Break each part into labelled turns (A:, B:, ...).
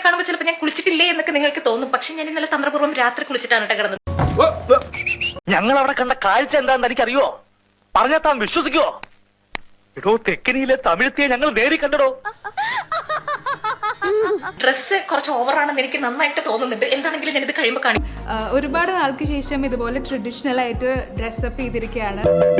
A: കാണുമ്പോൾ ചിലപ്പോൾ ഞാൻ കുളിച്ചിട്ടില്ലേ എന്നൊക്കെ നിങ്ങൾക്ക് തോന്നും. പക്ഷെ ഞാൻ ഇന്നലെ തന്ത്രപൂർവ്വം രാത്രി കുളിച്ചിട്ടാണ് കേട്ടോ കിടന്നത്.
B: ഞങ്ങൾ അവിടെ കണ്ട കാഴ്ച എന്താണെന്ന് എനിക്കറിയോ? പറഞ്ഞാൽ താൻ വിശ്വസിക്കുവോ? ഇടോ, തെക്കനിയിലെ തമിഴത്തിയെ ഞങ്ങൾ നേരി കണ്ടടോ.
A: ഡ്രസ്സ് കുറച്ച് ഓവറാണെന്ന് എനിക്ക് നന്നായിട്ട് തോന്നുന്നുണ്ട്. എന്താണെങ്കിലും ഞാനിത് കഴിയുമ്പോൾ കാണി.
C: ഒരുപാട് നാൾക്ക് ശേഷം ഇതുപോലെ ട്രഡീഷണൽ ആയിട്ട് ഡ്രസ്സപ്പ് ചെയ്തിരിക്കുകയാണ്.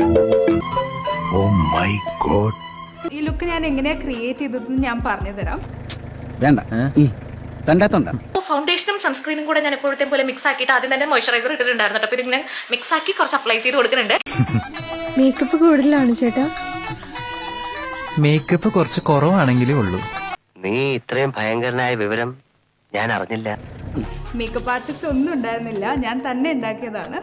C: ഈ ലുക്ക് ഞാൻ എങ്ങനെയാ ക്രിയേറ്റ് ചെയ്തതെന്ന് ഞാൻ പറഞ്ഞു തരാം.
D: വേണ്ട കണ്ടാത്തോണ്ട
A: ഫൗണ്ടേഷനും സൺസ്ക്രീനും കൂടെ ഞാൻ എപ്പോഴത്തെ പോലെ മിക്സ് ആക്കിയിട്ട് ആദ്യം തന്നെ മോയ്സ്ചറൈസർ ഇട്ടിട്ടുണ്ടായിരുന്നു. അപ്പൊ ഇത് ഞാൻ മിക്സ് ആക്കി കുറച്ച് അപ്ലൈ ചെയ്ത് കൊടുക്കുന്നുണ്ട്.
E: മേക്കപ്പ് കൂടുതലാണ് ചേട്ടാ.
F: മേക്കപ്പ് കുറച്ച് കുറവാണെങ്കിലേ ഉള്ളൂ.
B: നീ ഇത്രയും ഭയങ്കരനായ വിവരം ഞാൻ അറിഞ്ഞില്ല.
C: മേക്കപ്പ് ആർട്ടിസ്റ്റ് ഒന്നും ഉണ്ടായിരുന്നില്ല, ഞാൻ തന്നെ ഉണ്ടാക്കിയതാണ്.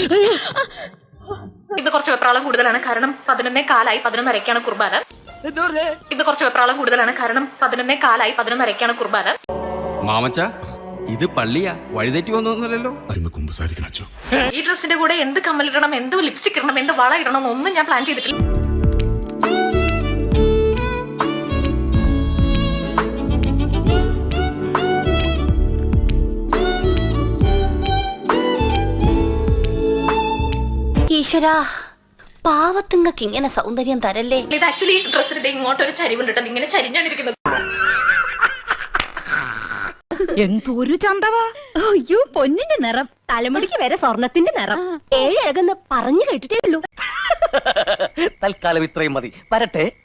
A: ഇത് കുറച്ച് വെപ്രാളം കൂടുതലാണ്, കാരണം 11:15 11:30 കുർബാന. ഇത് കുറച്ച് വെപ്രാളം കൂടുതലാണ്, കാരണം 11:15 11:30 കുർബാന.
G: മാമച്ച, ഇത് പള്ളിയാ, വഴിതെറ്റി വന്നൊന്നുമല്ലല്ലോ.
A: ഈ ഡ്രസ്സിന്റെ കൂടെ എന്ത് കമ്മലിടണം, എന്ത് ലിപ്സ്റ്റിക് ഇടണം, എന്ത് വള ഇടണം എന്നൊന്നും ഞാൻ പ്ലാൻ ചെയ്തിട്ടില്ല.
H: ഈശ്വരാ, പാവത്തുങ്ങൾക്ക് ഇങ്ങനെ സൗന്ദര്യം തരല്ലേ.
A: ഇത് ആക്ച്വലി ഈ ഡ്രസ്സിന്റെ ഇങ്ങോട്ടൊരു ചരിവുണ്ട്, ഇങ്ങനെ ചരിഞ്ഞാണ് ഇരിക്കുന്നത്.
E: എന്തൊരു ചന്തവാ. അയ്യോ, പൊന്നിന്റെ നിറം, തലമുടിക്ക് വരെ സ്വർണത്തിന്റെ നിറം. ഏഴഴകെന്ന് പറഞ്ഞു കേട്ടിട്ടേ ഉള്ളൂ.
B: തൽക്കാലം ഇത്രയും മതി. വരട്ടെ.